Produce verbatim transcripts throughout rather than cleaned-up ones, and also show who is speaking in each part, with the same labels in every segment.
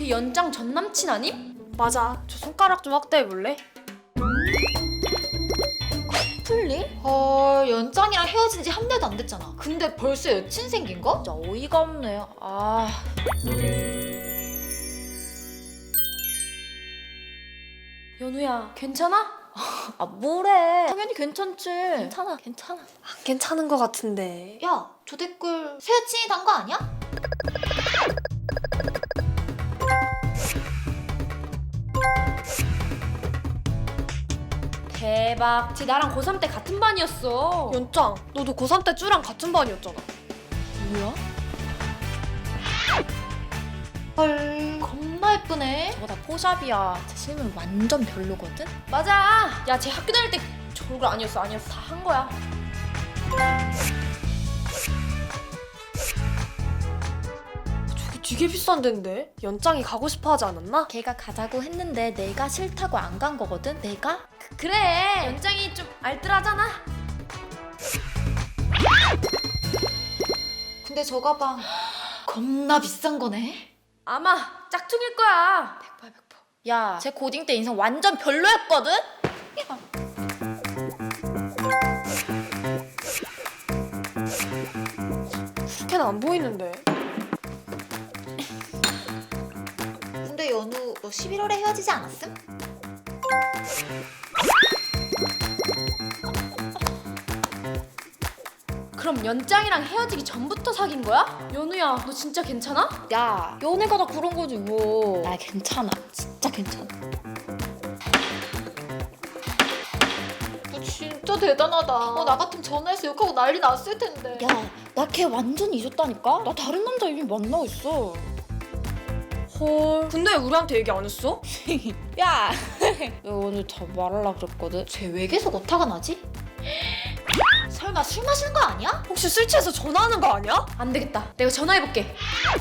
Speaker 1: 우리 연장 전 남친 아님?
Speaker 2: 맞아. 저 손가락 좀 확대해볼래?
Speaker 3: 풀리? 헐, 연장이랑 헤어진 지 한 달도 안 됐잖아. 근데 벌써 여친 생긴 거?
Speaker 2: 진짜 어이가 없네. 아...
Speaker 1: 연우야, 괜찮아?
Speaker 2: 아 뭐래.
Speaker 3: 당연히 괜찮지.
Speaker 2: 괜찮아 괜찮아. 안 괜찮은 것 같은데.
Speaker 3: 야, 저 댓글 새 여친이 단 거 아니야?
Speaker 1: 대박. 쟤 나랑 고삼 때 같은 반이었어.
Speaker 2: 연짱, 너도 고삼 때 쭈랑 같은 반이었잖아.
Speaker 1: 뭐야?
Speaker 3: 헐, 겁나 예쁘네.
Speaker 2: 저거 다 포샵이야. 제 실물 완전 별로거든?
Speaker 1: 맞아. 야, 쟤 학교 다닐 때 저 얼굴 아니었어, 아니었어. 다 한 거야.
Speaker 2: 저게 되게 비싼 데인데? 연짱이 가고 싶어 하지 않았나?
Speaker 4: 걔가 가자고 했는데 내가 싫다고 안 간 거거든? 내가?
Speaker 1: 그, 그래. 연장이 좀 알뜰하잖아.
Speaker 3: 근데 저 가방 겁나 비싼 거네.
Speaker 1: 아마 짝퉁일 거야.
Speaker 4: 백퍼 백퍼. 야, 쟤 고딩 때 인성 완전 별로였거든?
Speaker 2: 그렇게는 안 보이는데.
Speaker 3: 근데 연우, 너 십일월에 헤어지지 않았음?
Speaker 1: 그럼 연장이랑 헤어지기 전부터 사귄 거야? 연우야, 너 진짜 괜찮아?
Speaker 4: 야, 연애가 다 그런 거지 뭐. 나 괜찮아. 진짜 괜찮아.
Speaker 3: 너 진짜 대단하다. 어, 나 같으면 전화해서 욕하고 난리 났을 텐데.
Speaker 4: 야, 나 걔 완전 잊었다니까? 나 다른 남자 이미 만나고 있어.
Speaker 2: 헐. 근데 우리한테 얘기 안 했어?
Speaker 4: 야, 야 오늘 다 말하려고 그랬거든?
Speaker 3: 쟤 왜 계속 오타가 나지? 설마 술 마시는 거 아니야?
Speaker 2: 혹시 술 취해서 전화하는 거 아니야?
Speaker 1: 안 되겠다. 내가 전화해볼게.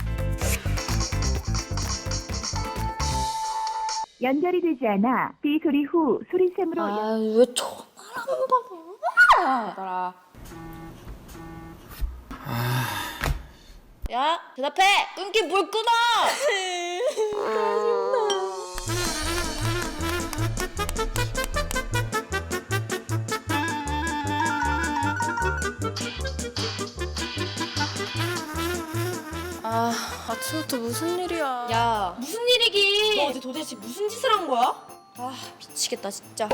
Speaker 5: 연결이 되지 않아 삐 소리 후 소리샘으로 연...
Speaker 4: 아, 왜 전화를 안 받아? 야, 대답해! 끊긴 물 끊어!
Speaker 2: 아, 아침부터 무슨 일이야.
Speaker 4: 야,
Speaker 1: 무슨 일이기?
Speaker 2: 너 어제 도대체 무슨 짓을 한 거야?
Speaker 4: 아, 미치겠다 진짜.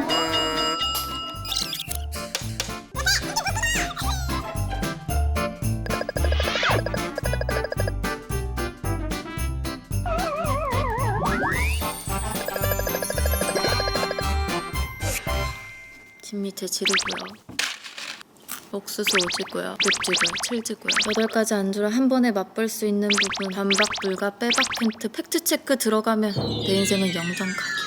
Speaker 4: 집 밑에 지르고요. 옥수수 오지고요. 립지고요. 칠지고요. 여덟 가지 안주를 한 번에 맛볼 수 있는 부분. 반박 불가 빼박 팬트 팩트체크 들어가면 내 인생은 영정각이야.